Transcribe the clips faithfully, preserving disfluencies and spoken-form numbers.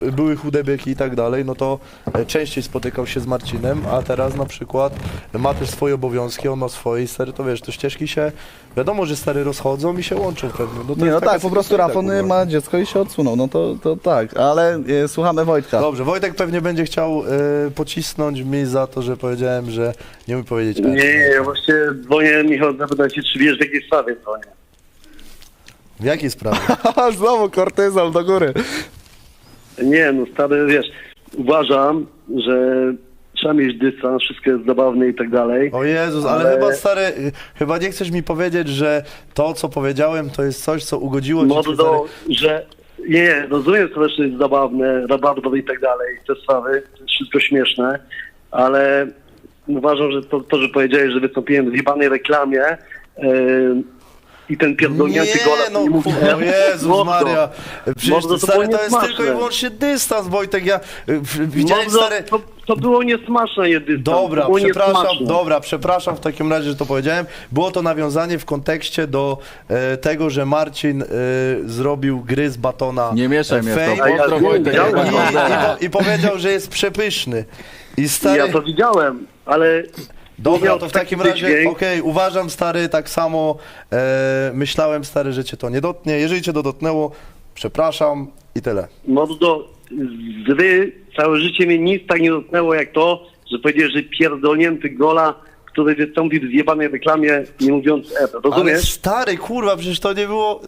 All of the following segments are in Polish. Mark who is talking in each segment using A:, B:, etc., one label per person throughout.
A: były chude byki i tak dalej, no to e, częściej spotykał się z Marcinem, a teraz na przykład ma też swoje obowiązki, on ma swoje i stary, to wiesz, to ścieżki się, wiadomo, że stary rozchodzą i się łączą pewnie. No, to
B: Nie,
A: jest
B: no
A: taka
B: tak, po prostu
A: sytuacja,
B: Rafon
A: kurwa.
B: ma dziecko i się odsunął, no to, to tak, ale e, słuchamy Wojtka.
A: Dobrze, Wojtek pewnie będzie chciał e, pocisnąć mi za to, że powiedziałem, że nie umiem powiedzieć R.
C: Nie, ja właśnie dzwonię, Michał, zapytać się, czy wiesz, w jakiej sprawie dzwonię.
A: W jakiej sprawie?
B: Znowu kortyzol do góry.
C: Nie, no stary, wiesz, uważam, że trzeba mieć dystans, wszystko jest zabawne i tak dalej.
A: O Jezus, ale,
C: Ale-
A: chyba stary, y, chyba nie chcesz mi powiedzieć, że to, co powiedziałem, to jest coś, co ugodziło ci.
C: Mordo,
A: stary...
C: że nie, rozumiem, że to też jest zabawne, rabarbar i tak dalej, te sprawy, to jest wszystko śmieszne, ale uważam, że to, to że powiedziałeś, że wystąpiłem w jebanej reklamie yy, i ten pierdolnięty
A: Nie,
C: gola,
A: no
C: nie mówi,
A: kurwa, o Jezus
C: Mordo,
A: Maria. Przecież
C: Mordo, to
A: stary,
C: było
A: to jest
C: niesmaczne.
A: tylko i wyłącznie dystans, Wojtek, ja y, w- widziałem
C: Mordo,
A: stary...
C: to, to było niesmaczne jedynie.
A: Dobra,
C: to było
A: przepraszam,
C: niesmaczne.
A: dobra, przepraszam w takim razie, że to powiedziałem. Było to nawiązanie w kontekście do e, tego, że Marcin e, zrobił gry z batona.
D: Nie mieszaj
A: e,
D: mnie w to.
A: fame
C: A ja
D: Pozdro
C: wiem,
D: Wojtek.
C: widziałem.
A: i, i, po, i powiedział, że jest przepyszny. I stary...
C: Ja to widziałem, ale...
A: Dobra,
C: miał
A: to w
C: taki
A: takim razie,
C: wydźwięk.
A: okej, uważam stary, tak samo e, myślałem stary, że cię to nie dotknie. Jeżeli cię to dotknęło, przepraszam i tyle.
C: Mordo, zry, całe życie mnie nic tak nie dotknęło jak to, że powiedziałeś, że pierdolnięty gola, który wystąpił w zjebanej reklamie, nie mówiąc E.
A: Ale
C: Rozumiesz?
A: stary, kurwa, przecież to nie było...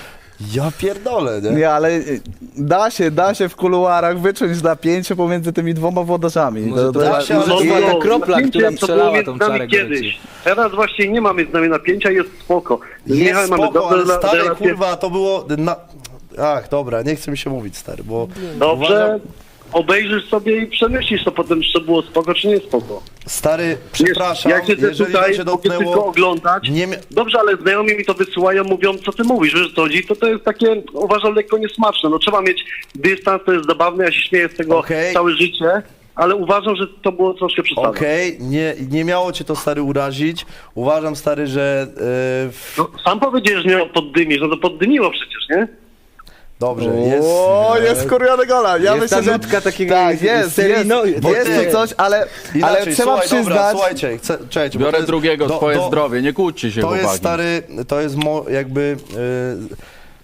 A: Ja pierdolę, nie?
B: Nie, ale y, da się, da się w kuluarach wyczuć napięcie pomiędzy tymi dwoma włodarzami.
D: Może to
A: da się, ale
D: może
A: to
D: to
A: była
D: taka
C: no,
D: kropla,
C: napięcie
D: która
C: to
D: strzelała
C: było
D: tą
C: między nami
D: czarę
C: kiedyś.
D: goryczy.
C: Teraz właśnie nie ma między nami napięcia, jest spoko. Z
A: Jest
C: Michałem mamy
A: spoko,
C: dobre
A: ale
C: rela-
A: stary,
C: relacje.
A: kurwa, to było... Na... Ach, dobra, nie chce mi się mówić, stary, bo...
C: Dobrze,
A: uważam-
C: obejrzysz sobie i przemyślisz to potem, czy to było spoko, czy nie spoko.
A: Stary, przepraszam,
C: Wiesz, ja siedzę
A: jeżeli
C: tutaj,
A: to cię
C: mogę tylko
A: dotknęło...
C: oglądać.
A: Nie mia-
C: Dobrze, ale znajomi mi to wysyłają, mówią, co ty mówisz, wiesz, co chodzi, to to jest takie, uważam, lekko niesmaczne. No trzeba mieć dystans, to jest zabawne, ja się śmieję z tego
A: Okej.
C: całe życie, ale uważam, że to było troszkę przesadzone.
A: Okej, nie, nie miało cię to, stary, urazić. Uważam, stary, że... Yy, w...
C: No, sam powiedziałeś, że miał poddymić, no to poddymiło przecież, nie?
A: Dobrze, jest...
B: O, jest skurwiony gola. Ja
D: Jest
B: myślę,
D: ta
B: że
D: nutka takiego
B: tak, jest, jest,
D: seryjno-
B: jest
A: Wojtek,
B: tu coś, ale,
A: Inaczej,
B: ale trzeba
A: słuchaj,
B: przyznać...
A: Dobra, słuchajcie, chcę, czekajcie, bo to
D: Biorę
A: jest-
D: drugiego,
A: do-
D: twoje
A: do-
D: zdrowie, nie kłóćcie się,
A: To
D: chłopaki.
A: jest, stary, to jest mo, jakby... Yy,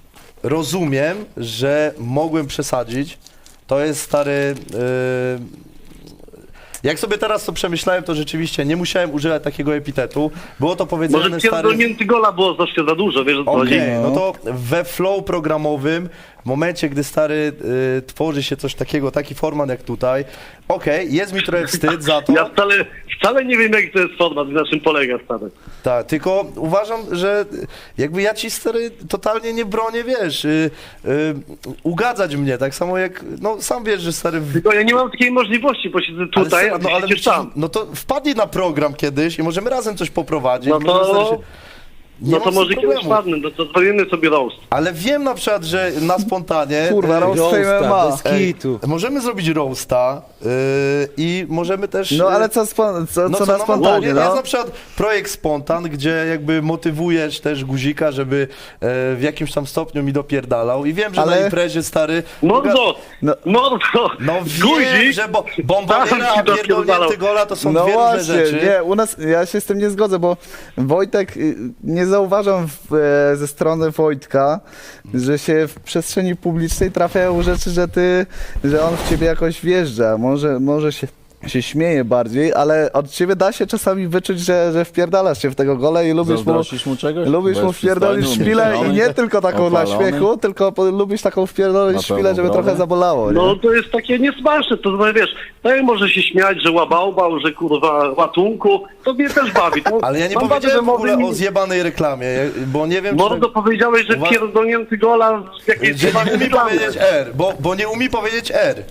A: rozumiem, że mogłem przesadzić. To jest, stary... Yy, jak sobie teraz to przemyślałem, to rzeczywiście nie musiałem używać takiego epitetu. Było to powiedziane,
C: Może
A: stary...
C: pierdolnięty gola było troszkę za dużo, wiesz, o co
A: Okej,
C: chodzi.
A: no to we flow programowym, w momencie, gdy stary y, tworzy się coś takiego, taki format jak tutaj, okej, jest mi trochę wstyd za to,
C: Ja wcale, wcale nie wiem, jaki to jest format, na czym polega, stary.
A: tak, tylko uważam, że jakby ja ci stary totalnie nie bronię, wiesz, y, y, ugadzać mnie, tak samo jak, no sam wiesz, że stary... W...
C: Tylko ja nie mam takiej możliwości, bo siedzę tutaj,
A: ale,
C: a ty
A: no, ale
C: siedzisz
A: przecież-
C: tam.
A: no to wpadnij na program kiedyś i możemy razem coś poprowadzić.
C: No
A: możemy, stary,
C: to...
A: się... Nie
C: No
A: ma
C: to
A: z tym
C: może kiedyś
A: problemu.
C: padnę, no to zrobimy sobie roast.
A: Ale wiem na przykład, że na spontanie...
B: Kurwa,
A: y,
B: roast fame M M A.
D: bez
A: Ej,
D: kitu.
A: możemy zrobić roasta yy, i możemy też...
B: No
A: yy,
B: ale co, spo, co,
A: no
B: co
A: co,
B: na
A: no,
B: spontanie,
A: no,
B: no?
A: Jest na przykład projekt Spontan, gdzie jakby motywujesz też Guzika, żeby e, w jakimś tam stopniu mi dopierdalał i wiem, że
B: Ale-
A: na imprezie, stary...
C: Mordo!
B: No-
C: Mordo!
A: No
C: Guzik!
A: wiem, że bo, bombardera,
C: Tam ci
A: a pierdolnięty
C: dopierdalał.
A: gola to są
B: No
A: dwie różne
B: właśnie,
A: rzeczy.
B: nie, u nas, ja się z tym nie zgodzę, bo Wojtek, y, nie zauważam w, e, ze strony Wojtka, że się w przestrzeni publicznej trafiają rzeczy, że ty, że on w ciebie jakoś wjeżdża, może, może się się śmieje bardziej, ale od ciebie da się czasami wyczuć, że, że wpierdalasz się w tego gola i lubisz mu,
D: Zazdrościsz mu czegoś?
B: lubisz
D: Bo
B: mu
D: jest
B: wpierdolić
D: przystojny,
B: szpilę i
D: umięśniony,
B: nie tylko taką dla
D: opalony.
B: śmiechu, tylko po, lubisz taką wpierdolić
D: Na
B: szpilę,
D: pełną
B: żeby trochę
D: brodę.
B: zabolało, nie?
C: No to jest takie niesmaczne, to no, wiesz, tak może się śmiać, że łabałbał, że kurwa łatunku, to mnie też bawi. To,
A: Ale ja nie
C: mam
A: powiedziałem w
C: wrażenie,
A: ogóle
C: że
A: o zjebanej reklamie, ja- bo nie wiem,
C: Mordo powiedziałeś, że
A: Uwa-
C: pierdolnięty gola z jakiejś
A: czy... Że nie
C: zjebanej
A: umie
C: reklamy.
A: powiedzieć R, bo, bo nie umie powiedzieć R.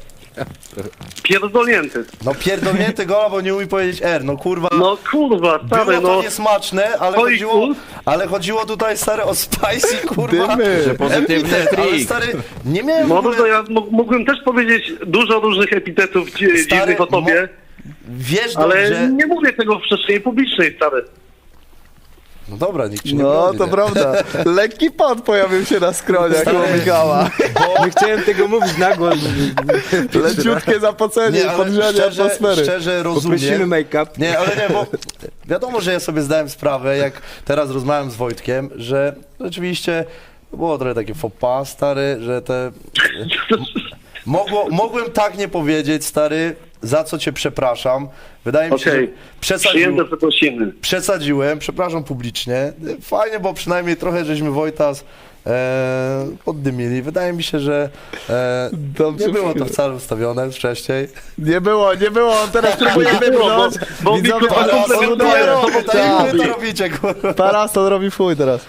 C: Pierdolnięty.
A: No pierdolnięty gola, bo nie umie powiedzieć R, no kurwa...
C: No kurwa, stary,
A: Było to
C: no.
A: niesmaczne, ale
C: Twoich
A: chodziło,
C: ust?
A: ale chodziło tutaj, stary, o spicy, kurwa.
B: Dymy.
D: Że pozytywny
A: epitet, ale
D: trik.
A: stary, nie miałem w
C: Mordo,
A: ogóle...
C: ja m- mógłbym też powiedzieć dużo różnych epitetów dzi-
A: Stary,
C: dziwnych o tobie,
A: Wiesz
C: ale
A: dobrze,
C: nie mówię tego w przestrzeni publicznej, stary.
A: No dobra, nikt ci nie
B: No,
A: broni,
B: to
A: nie?
B: prawda. Lekki pot pojawił się na skroniach
A: Stary,
B: u Michała.
D: Nie chciałem tego mówić na głos.
B: Leciutkie zapocenie,
A: Nie, ale
B: podgrzanie
A: szczerze,
B: atmosfery.
A: szczerze
D: Poprosimy
A: rozumiem.
D: make-up.
A: Nie, ale nie, bo wiadomo, że ja sobie zdałem sprawę, jak teraz rozmawiam z Wojtkiem, że rzeczywiście było trochę takie faux pas, stary, że te... Mogło, mogłem tak nie powiedzieć, stary, za co cię przepraszam. Wydaje mi się,
C: Okej,
A: że przesadził,
C: przyjęte przeprosiny.
A: przesadziłem, przepraszam publicznie. Fajnie, bo przynajmniej trochę żeśmy Wojtas e, poddymili. Wydaje mi się, że e,
B: Dobrze
A: nie było to
B: mówię.
A: wcale ustawione wcześniej.
B: Nie było, nie było, on teraz próbuje
C: Nie było,
B: wybrnąć.
C: bo- bo
B: Widzowie,
C: mikrofon
B: parasol
C: komplementuje,
B: robi,
C: to bo
A: tak,
B: tak.
A: wy to robicie, kurwa.
B: Parasol robi fuj teraz.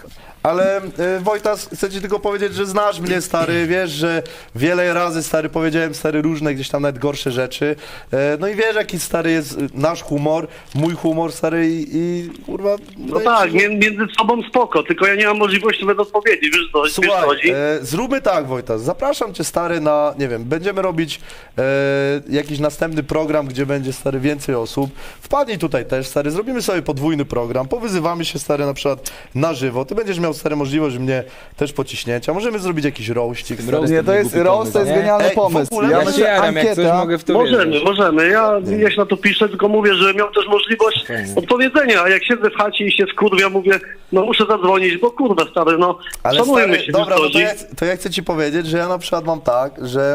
A: Ale e, Wojtas, chcę ci tylko powiedzieć, że znasz mnie, stary, wiesz, że wiele razy, stary, powiedziałem, stary, różne gdzieś tam nawet gorsze rzeczy. E, no i wiesz, jaki, stary, jest e, nasz humor, mój humor, stary, i, i kurwa...
C: No
A: wydaje
C: tak,
A: mi się, że-
C: mię- między sobą spoko, tylko ja nie mam możliwości nawet odpowiedzi, wiesz co, wiesz, co
A: Słuchaj,
C: chodzi?
A: e, zróbmy tak, Wojtas, zapraszam cię, stary, na, nie wiem, będziemy robić e, jakiś następny program, gdzie będzie, stary, więcej osób. Wpadnij tutaj też, stary, zrobimy sobie podwójny program, powyzywamy się, stary, na przykład na żywo. Ty będziesz miał, stary, możliwość mnie też pociśnięcia. Możemy zrobić jakiś rościk, stary.
D: roast
B: Nie, to jest
D: głupi
B: roast, to jest
D: pomysł, nie?
B: genialny
A: Ej, w
B: pomysł.
A: ogóle
B: Ja
A: ja
D: Ja
B: myślę,
D: się jaram, jak coś
B: ankieta...
D: mogę w to
C: Możemy,
D: wierzyć.
C: możemy. Ja, ja się na to piszę, tylko mówię, że miał też możliwość
D: Fajnie.
C: odpowiedzenia, a jak siedzę w chacie i się skurwia, mówię, no muszę zadzwonić, bo kurwa stary, no
A: Ale
C: szanujmy
A: stary,
C: się,
A: dobra,
C: wiesz,
A: no
C: co
A: to,
C: chodzi?
A: ja, to ja chcę ci powiedzieć, że ja na przykład mam tak, że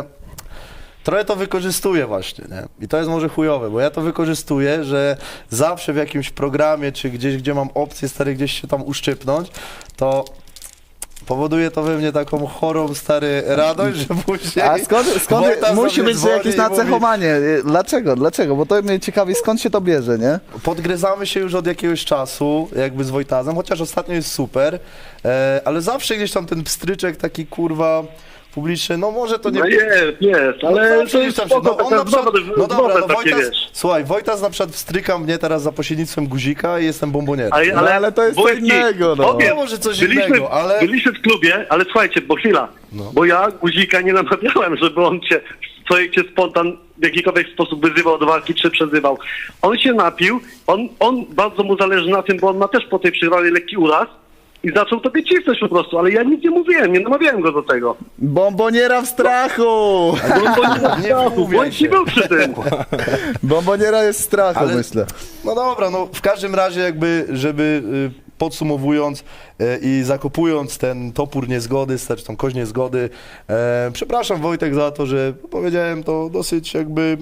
A: trochę to wykorzystuję właśnie, nie? I to jest może chujowe, bo ja to wykorzystuję, że zawsze w jakimś programie, czy gdzieś, gdzie mam opcję, stary, gdzieś się tam uszczypnąć, to powoduje to we mnie taką chorą, stary, radość, że później...
B: A skąd, skąd
A: Wojtas
B: musi
A: do mnie
B: być
A: dzwoni
B: jakieś
A: i mówi,
B: nacechowanie? Dlaczego? Dlaczego? Bo to mnie ciekawi, skąd się to bierze, nie?
A: Podgryzamy się już od jakiegoś czasu, jakby z Wojtazem, chociaż ostatnio jest super, e, ale zawsze gdzieś tam ten pstryczek taki, kurwa, publiczny, no może to nie...
C: No jest, jest,
A: No
C: ale
A: zawsze
C: to
A: gdzieś
C: jest
A: tam się-
C: spoko,
A: no on
C: taka
A: na przykład,
C: znowu,
A: no dobra, no
C: takie,
A: Wojtas,
C: wiesz.
A: słuchaj, Wojtas na przykład wstryka mnie teraz za pośrednictwem guzika i jestem bombonierem.
C: Ale,
B: No, ale to jest co
C: Wojtki,
B: innego, no.
C: powiem,
A: No, może coś
C: byliśmy,
A: innego, ale-
C: Byliśmy w klubie, ale słuchajcie, bo chwila,
A: No.
C: bo ja Guzika nie namawiałem, żeby on cię w projekcie spontan w jakikolwiek sposób wyzywał do walki, czy przezywał. On się napił, on, on bardzo mu zależy na tym, bo on ma też po tej przegranej lekki uraz i zaczął tobie cisnąć po prostu, ale ja nic nie mówiłem, nie namawiałem go do tego.
B: Bomboniera w strachu!
C: Bo on bo nie,
A: Nie
C: nie
A: wmówiaj
C: bądź
A: się.
C: nie był przy tym.
B: Bomboniera jest w strachu,
A: Ale-
B: myślę.
A: No dobra, no w każdym razie jakby, żeby y, podsumowując y, i zakopując ten topór niezgody, czy tą kość niezgody, e, przepraszam Wojtek za to, że powiedziałem to dosyć jakby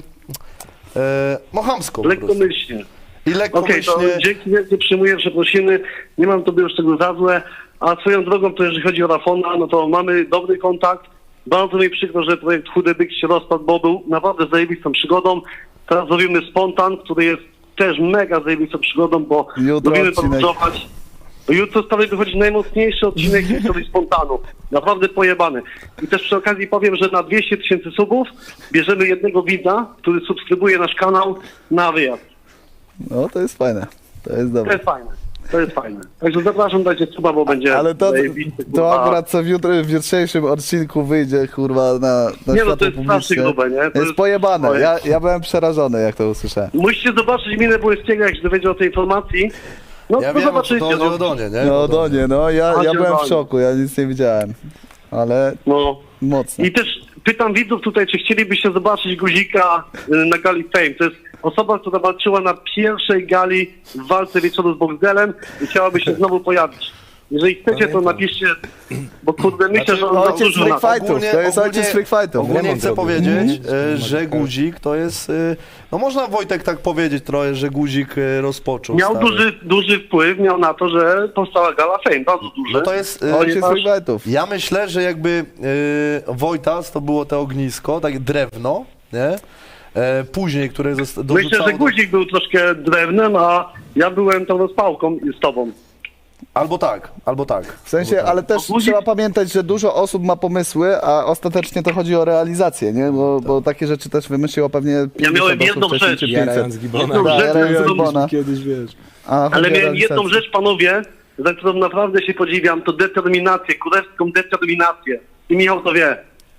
A: e, no chamsko po prostu.
C: Lekkomyślnie.
A: I
C: Okej,
A: lekkomyślnie.
C: to dzięki wielkie, przyjmuję przeprosiny, nie mam tobie już tego za złe, a swoją drogą to jeżeli chodzi o Rafona, no to mamy dobry kontakt, bardzo mi przykro, że projekt Chudy Byk się rozpadł, bo był naprawdę zajebistą przygodą, teraz robimy Spontan, który jest też mega zajebistą przygodą, bo
B: Jutro
C: lubimy
B: odcinek.
C: podróżować. Jutro stary wychodzi najmocniejszy odcinek historii Spontanu. Naprawdę pojebany. I też przy okazji powiem, że na dwieście tysięcy subów bierzemy jednego widza, który subskrybuje nasz kanał na wyjazd.
B: No, to jest fajne. To jest
C: To
B: dobre.
C: jest fajne. To jest fajne. Także zapraszam, dajcie suba, bo będzie
B: Ale to,
C: zajebisty,
B: to
C: kurwa.
B: akurat co w, jutro, w jutrzejszym odcinku wyjdzie, kurwa, na, na
C: Nie, no
B: światło
C: to jest strasznie
B: publiczne.
C: grube, nie? To
B: jest,
C: jest-
B: pojebane.
C: to jest-
B: Ja, ja byłem przerażony, jak to usłyszałem.
C: Musicie zobaczyć minę Błyskiego, jak się dowiedział o tej informacji. No
A: Ja
C: to
A: wiem, o co
C: zobaczycie.
A: to chodzi
C: No.
A: o Donie, nie?
B: No, Donie, no, ja, ja
C: Chodzi o
B: byłem w
C: Donię.
B: szoku, ja nic nie widziałem. Ale
C: no.
B: mocno.
C: I też pytam widzów tutaj, czy chcielibyście zobaczyć Guzika y, na gali Fame. To jest osoba, która walczyła na pierwszej gali w walce wieczoru z Boxdelem i chciałaby się znowu pojawić. Jeżeli chcecie, to
D: Pamiętam.
C: napiszcie, bo kurde, myślę,
A: Znaczy,
C: że on
B: ojciec
C: zasłużył na
B: freak
C: to.
B: fightów, to jest ojciec freak fightów.
A: Ogólnie
D: Remont
A: chcę
D: robił.
A: powiedzieć,
D: Mhm.
A: e, że Guzik to jest, e, no można Wojtek tak powiedzieć trochę, że Guzik e, rozpoczął.
C: Miał
A: stary.
C: duży, duży wpływ miał na to, że powstała gala Fame, bardzo duży.
A: No to jest... e,
B: Ojciec
C: masz-
B: freak fightów.
A: Ja myślę, że jakby e, Wojtas to było to ognisko, takie drewno, nie? E, później, które zosta-
C: Myślę,
A: dorzucało
C: że
A: do-
C: Guzik był troszkę drewnem, a ja byłem tą rozpałką z tobą.
A: Albo tak, albo tak.
B: W sensie,
A: albo tak.
B: ale też
C: Bo guzik-
B: trzeba pamiętać, że dużo osób ma pomysły, a ostatecznie to chodzi o realizację, nie? Bo, bo takie rzeczy też wymyśliło pewnie pięćdziesiąt
C: miałem
B: osób
C: jedną
B: wcześniej,
C: rzecz.
B: czy pięćset.
D: Jarając Gibona.
C: Jedną
B: Tak,
C: rzecz,
B: jarając
C: którą-
B: Gibona.
D: Kiedyś, wiesz.
B: A, chodzi
C: Ale
B: o
C: miałem jedną
B: realizację.
C: rzecz, panowie, za którą naprawdę się podziwiam, to determinację, królewską determinację. I Michał to wie,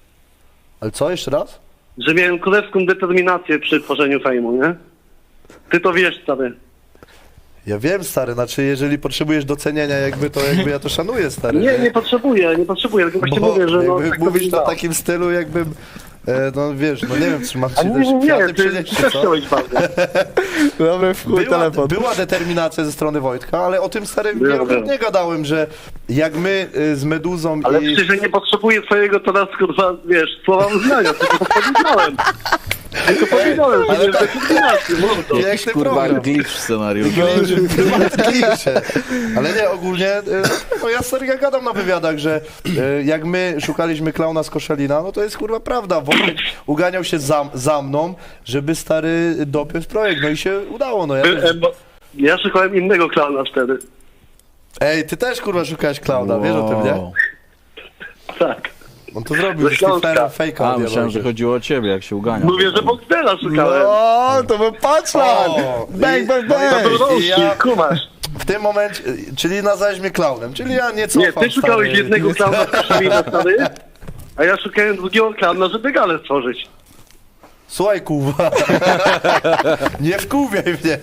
A: Ale co, jeszcze raz?
C: że miałem królewską determinację przy tworzeniu fejmu, nie? Ty to wiesz, stary.
A: Ja wiem, stary, znaczy jeżeli potrzebujesz docenienia jakby, to jakby ja to szanuję, stary.
C: Nie, nie potrzebuję, nie potrzebuję, tylko właśnie
A: Bo
C: mówię, że no...
A: jakby
C: tak to
A: mówisz to w
C: wygląda.
A: takim stylu, jakbym, e, no wiesz, no nie wiem, czy mam ci
C: A
A: też
C: nie, nie,
A: kwiaty
C: nie, ty,
A: przynieść,
C: ty
A: czy
C: też
A: co?
C: chciałeś bardzo.
B: Dobry w chuj
A: Była,
B: telefon.
A: była determinacja ze strony Wojtka, ale o tym, stary,
C: Była,
A: wielokrotnie gadałem, że jak my y, z Meduzą
C: Ale
A: i...
C: przecież ja nie potrzebuję twojego teraz, kurwa, wiesz, słowa uznania, tylko powiedziałem. Tylko powiedziałem,
A: ale
C: że
A: tak-
C: to jest inaczej, mordo.
A: Jak ty
E: Kurwa,
A: program?
E: glitch w scenariuszu.
A: Klisze. Ale nie, ogólnie, y, no ja stary, ja gadam na wywiadach, że y, jak my szukaliśmy klauna z Koszelina, no to jest kurwa prawda. Wojtek uganiał się za, za mną, żeby stary dopiąć projekt, no i się udało, no ja
C: E,
A: też...
C: bo Ja szukałem innego klauna wtedy.
A: Ej, ty też kurwa szukałeś klauna, wiesz o tym, nie?
E: Wow.
C: Tak.
A: On to zrobił,
C: Ze
A: ze
C: Śląska.
A: Stiflerem fejka.
E: A, myślałem, że chodziło o ciebie, jak się uganiał.
C: Mówię, że Boxdela szukałem.
B: No, to był punchline!
A: O,
B: Bang,
A: i-
B: bang,
A: no i
B: bang!
C: To był
A: I
C: Rączki,
A: ja-
C: kumasz.
A: W tym momencie, czyli nazwałeś mnie klaunem, czyli ja nie cofam,
C: Nie, ty szukałeś
A: stary.
C: jednego klauna z Koszalina wtedy, a ja szukałem drugiego klauna, żeby galę stworzyć.
A: Słuchaj, kurwa. Nie wkurwiaj mnie.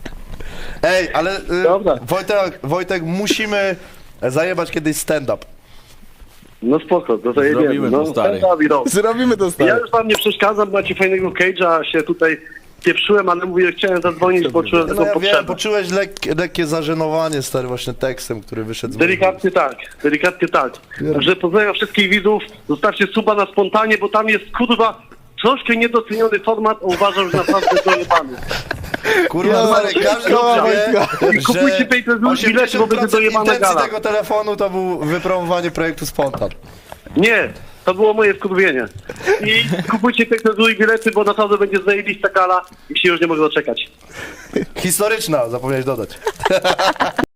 A: Ej, ale y,
C: Dobra.
A: Wojtek, Wojtek, musimy zajebać kiedyś stand-up.
C: No spoko, to zajebiemy.
E: Zrobimy
C: No,
E: to, stary.
C: stand-up i rok.
B: Zrobimy to
C: Ja
B: stary.
C: już wam nie przeszkadzam, macie fajnego cage'a, się tutaj pieprzyłem, ale mówię, chciałem zadzwonić, bo czułem
A: No
C: taką
A: ja wiem,
C: potrzebę.
A: poczułeś lekkie, lekkie zażenowanie, stary, właśnie tekstem, który wyszedł z mojego
C: Delikatnie tak, delikatnie tak. Także pozdrawiam wszystkich widzów, zostawcie suba na spontanie, bo tam jest kurwa troszkę niedoceniony format, a uważam, że naprawdę dojebany.
A: Kurwa,
B: Ja
A: stary,
B: mam
A: każdy
B: wszystko,
A: wie,
B: Wojtka.
C: Kupujcie
A: że
C: pay per view bilety, bo będzie
A: osiemdziesiąt procent
C: dojebana
A: intencji
C: gala.
A: tego telefonu to był wypromowanie projektu Spontan.
C: Nie, to było moje wkurwienie. I kupujcie pay per view bilety, bo naprawdę będzie zajebista gala i się już nie mogę doczekać.
A: Historyczna, zapomniałeś dodać.